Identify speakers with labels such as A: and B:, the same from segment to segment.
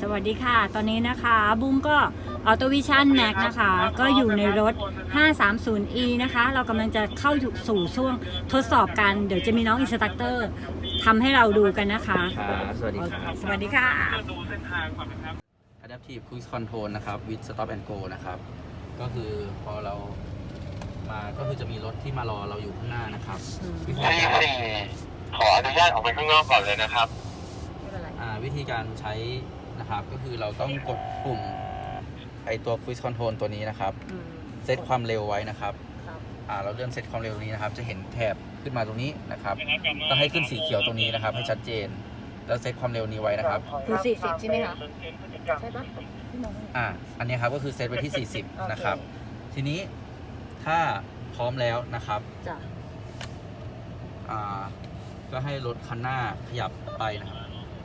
A: วัสดีค่ะตอนนี้นะคะบุ้งก็ออโตวิชั่นแม็กนะคะก็อยู่ในรถ 530e นะคะเรากำลังจะเข้าสู่ช่วงทดสอบกันเดี๋ยวจะมีน้องอินสตรัคเตอร์ทำให้เราดูกันนะคะ
B: สวัสดีครับ
A: สวัสดีค่ะ
B: Adaptive Cruise Control นะครับ with Stop and Go นะครับก็คือพอเรามาก็คือจะมีรถที่มารอเราอยู่ข้างหน้านะครับ
C: ขออนุญาตออกไปข้างนอกก่อนเลยนะครับ
B: วิธีการใช้นะครับก็คือเราต้องกดปุ่มไอตัว Cruise Control ตัวนี้นะครับเซตความเร็วไว้นะครับเราเลื่อนเซตความเร็วนี้นะครับจะเห็นแถบขึ้นมาตรงนี้นะครับต้องให้ขึ้นสีเขียวตรงนี้นะครับให้ชัดเจนแล้วเซตความเร็วนี้ไว้นะครับ
A: คือ40ใช่ไหมคะใช่ปะ
B: อันนี้ครับก็คือเซตไว้ที่40นะครับทีนี้ถ้าพร้อมแล้วนะครับก็ให้รถคันหน้าขยับไปนะครับ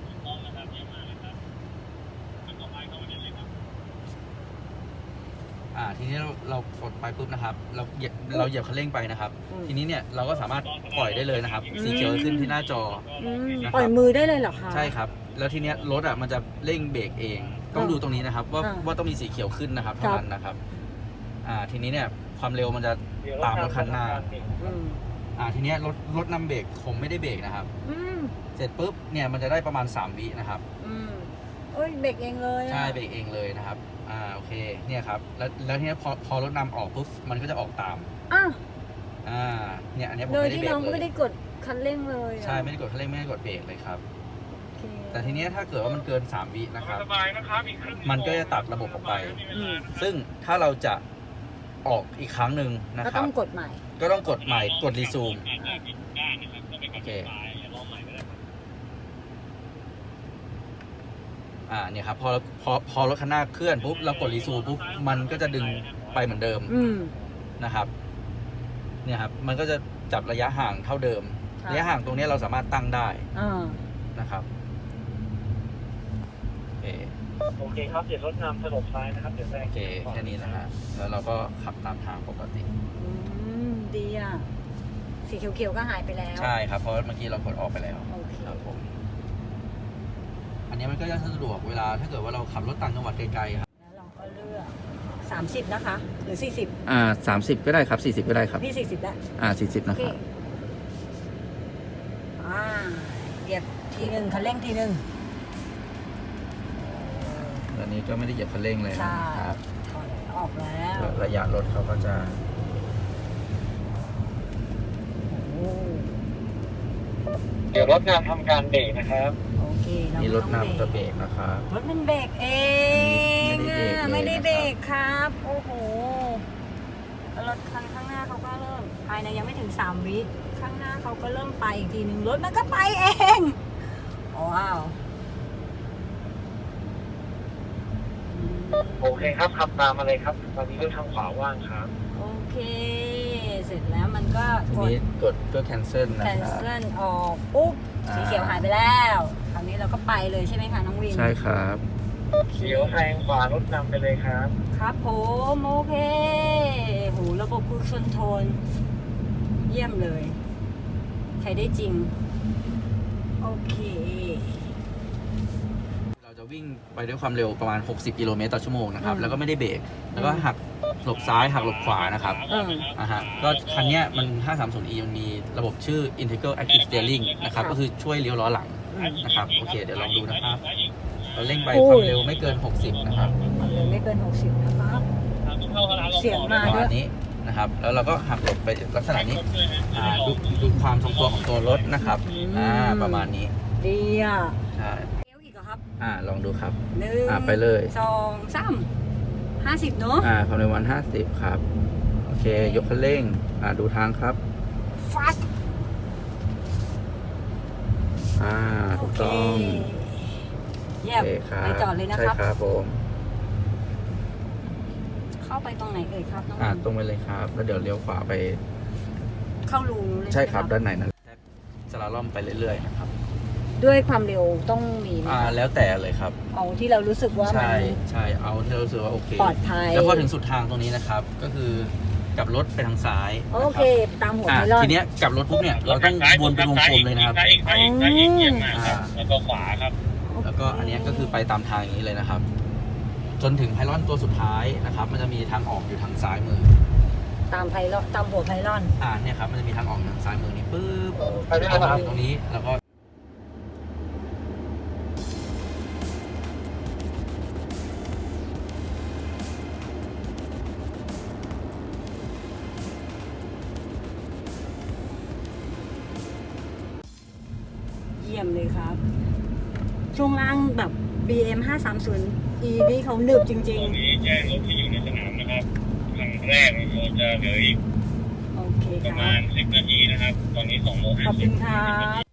B: ทีนี้เรากดไปปุ๊บนะครับเราเหยียบคันเร่งไปนะครับทีนี้เนี่ยเราก็สามารถปล่อยได้เลยนะครับสีเขียวขึ้นที่หน้าจอ
A: ปล่อยมือได้เลยเหรอคะ
B: ใช่ครับแล้วทีนี้รถมันจะเร่งเบรกเองต้องดูตรงนี้นะครับว่าต้องมีสีเขียวขึ้นนะครับเท่านั้นนะครับทีนี้เนี่ยความเร็วมันจะตามรถคันหน้าทีนี้รถนำเบรกผมไม่ได้เบรกนะครับเสร็จปุ๊บเนี่ยมันจะได้ประมาณ3วินะครับ
A: เบรกเองเลย
B: ใช่เบรกเองเลยนะครับโอเคเนี่ยครับแล้วทีนี้พอรถนำออกปุ๊บมันก็จะออกตามเนี่ยอันนี้ผมไม่ได้เบรกเลยโดยที่
A: น้องก็ไม่ได้กดคันเร่งเลย
B: ใช่ไม่ได้กดคันเร่งไม่ได้กดเบรกเลยครับแต่ทีนี้ถ้าเกิดว่ามันเกิน3วินะครับมันก็จะตัดระบบออกไปซึ่งถ้าเราจะออกอีกครั้งหนึ่งนะครับก็
A: ต้องกดใหม่
B: กดรีซูมโอเคเนี่ยครับพอรถคันหน้าเคลื่อนปุ๊บเรากดรีซูมปุ๊บมันก็จะดึงไปเหมือนเดิมนะครับเนี่ยครับมันก็จะจับระยะห่างเท่าเดิมระยะห่างตรงนี้เราสามารถตั้งได้นะครับ
C: โอเคครับเดี๋ยวรถนำถนนซ้ายนะครับเดี๋ยว
B: โอเคแค่นี้นะฮะแล้วเราก็ขับตามทางปกติ
A: ดีอ่ะสีเขียวๆก็หายไปแล้ว
B: ใช่ครับเพราะเมื่อกี้เรากดออกไปแล้วครับผมอันนี้มันก็จะสะดวกเวลาถ้าเกิดว่าเราขับรถต่างจังหวัดไกลๆครับ
A: แล้วเราก็เลือก30นะคะหรือ
B: 4030ก็ได้ครับ40ก็ได้ครับ
A: พี่40แล้ว
B: 40นะครับ
A: เหยียบทีนึงคันเร่งทีนึง
B: ตอนนี้ก็ไม่ได้เหยียบคันเร่งเลย
A: ครับออกแล้ว
B: ระยะรถเขาก็จะ
C: เดี๋ยวรถนำทำการเบรกนะครับ
A: โอเค
B: นี่รถนำจะเบรกนะครับ
A: รถมันเบรกเองไม่ได้เบรกครับโอ้โหรถคันข้างหน้าเขาก็เริ่มภายในยังไม่ถึง3วิข้างหน้าเขาก็เริ่มไปอีกทีหนึ่งรถมันก็ไปเองว้าว
C: โอเคครับขับตามมาเลยครับตอนนี้เลือกทางขวาว่างครับ
A: โอเคเสร็จแล้วมันก็
B: กดก็ cancel นะครับ
A: cancel ออกปุ๊บสีเขียวหายไปแล้วคราวนี้เราก็ไปเลยใช่ไหมคะน้องวิน
B: ใช่ครับ
C: เขียวแซงขวารถนำไปเลยครับ
A: ครับผมโอเคโหระบบครูซคอนโทรลเยี่ยมเลยใช้ได้จริงโอเค
B: เราจะวิ่งไปด้วยความเร็วประมาณ60กิโลเมตรต่อชั่วโมงนะครับแล้วก็ไม่ได้เบรกแล้วก็หักหลบซ้ายหักหลบขวานะครับก็คันนี้มัน 530e มันมีระบบชื่อ Integral Active Steering นะครับก็คือช่วยเลี้ยวล้อหลังนะครับโอเคเดี๋ยวลองดูนะครับเราเร่งไปความเร็วไม่เกิน60นะครับ
A: ความเร็วไม่เกิน60นะครับเสียงมาด้วย
B: นี้นะครับแล้วเราก็หักหลบไปลักษณะนี้ดูความทรงตัวของตัวรถนะครับประมาณนี้
A: ดีอ่ะ
B: ใช่
A: เลี้ยวอีกเหรอครับ
B: ลองดูครับไปเลย
A: 2 3 50เนอะ
B: ความเร็ววัน50ครับโอเคยกคันเร่งดูทางครับ
A: fast
B: ถูกต้อง
A: เยี่ยมไปจอดเลยนะครับ
B: ใช่ครับผม
A: เข้าไปตรงไหนเอ่ยครับน้อง
B: ตรงไปเลยครับแล้วเดี๋ยวเลี้ยวขวาไป
A: เข้ารูเลย
B: ใช่ครับด้านไหนนั้นสลาล่อมไปเรื่อยๆนะครับ
A: ด้วยความเร็วต้องมี
B: แล้วแต่เลยครับ
A: เอาที่เรารู้สึกว่า
B: ใช่เอาที่เรารู้สึกว่าโอเค
A: ปลอดภัย
B: แล้วพอถึงสุดทางตรงนี้นะครับก็คือกลับรถไปทางซ้าย
A: โอเคตามหัวไม่รอด
B: ทีเนี้ยกลับรถปุ๊บเนี่ยเราต้องวนเป็นวงกลมเลยนะครับ
C: ซ้ายอีกแล้วก็ขวาครับ
A: โอ
B: แล้วก็อันเนี้ยก็คือไปตามทางอย่างนี้เลยนะครับ จนถึงไพลอนตัวสุดท้ายนะครับ มันจะมีทางออกอยู่ทางซ้ายมือ
A: ตามไพลอนตามหัวไพลอน
B: เนี่ยครับมันจะมีทางออกทางซ้ายมือนี่ปึ๊บ
C: ไปได้แล้วครับ
B: ตรงนี้แล้วก็
A: เยี่ยมเลยครับ ช่วงล่างแบบ BM 530 E นี่เขาหนึบจริง
D: ตอนนี้แจ้งรถที่อยู่ในสนามนะครับครั้งแรกเราจะเหลืออีก
A: ๆ โอเค
D: ประ
A: ครั
D: มา
A: บ
D: ณ10 นาทีนะครับ ตอนนี้2 โมง
A: ขอบคุณครับ